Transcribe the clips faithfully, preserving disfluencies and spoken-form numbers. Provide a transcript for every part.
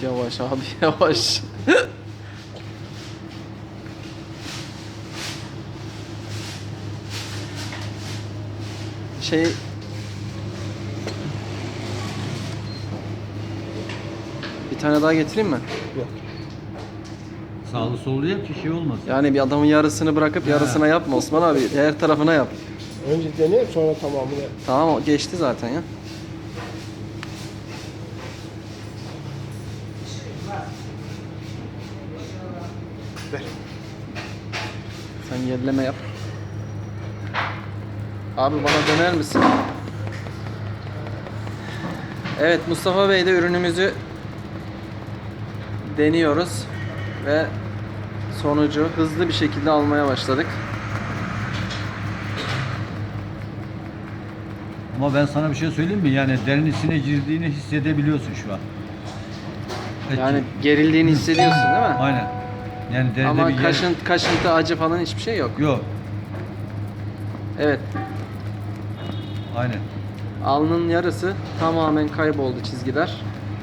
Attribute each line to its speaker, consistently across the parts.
Speaker 1: Yavaş abi yavaş. Şey bir tane daha getireyim mi?
Speaker 2: Yok.
Speaker 3: Sağlı sollu yap ki şey olmasın.
Speaker 1: Yani bir adamın yarısını bırakıp yarısına yapma Osman abi. Diğer tarafına yap.
Speaker 2: Önce dene sonra tamamını.
Speaker 1: Tamam o geçti zaten ya.
Speaker 2: Ver.
Speaker 1: Sen yerleme yap. Abi bana döner misin? Evet Mustafa Bey de ürünümüzü deniyoruz ve sonucu hızlı bir şekilde almaya başladık.
Speaker 3: Ama ben sana bir şey söyleyeyim mi? Yani derinlisine girdiğini hissedebiliyorsun şu an. Evet.
Speaker 1: Yani gerildiğini hissediyorsun değil mi?
Speaker 3: Aynen. Yani deride
Speaker 1: Ama
Speaker 3: bir yer...
Speaker 1: kaşın, kaşıntı, acı falan hiçbir şey yok.
Speaker 3: Yok.
Speaker 1: Evet.
Speaker 3: Aynen.
Speaker 1: Alnın yarısı tamamen kayboldu çizgiler.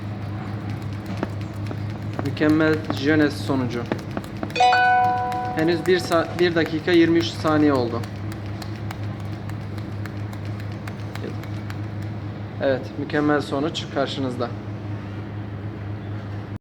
Speaker 1: Mükemmel jönes sonucu. Henüz bir dakika yirmi üç saniye oldu. Evet, mükemmel sonuç karşınızda.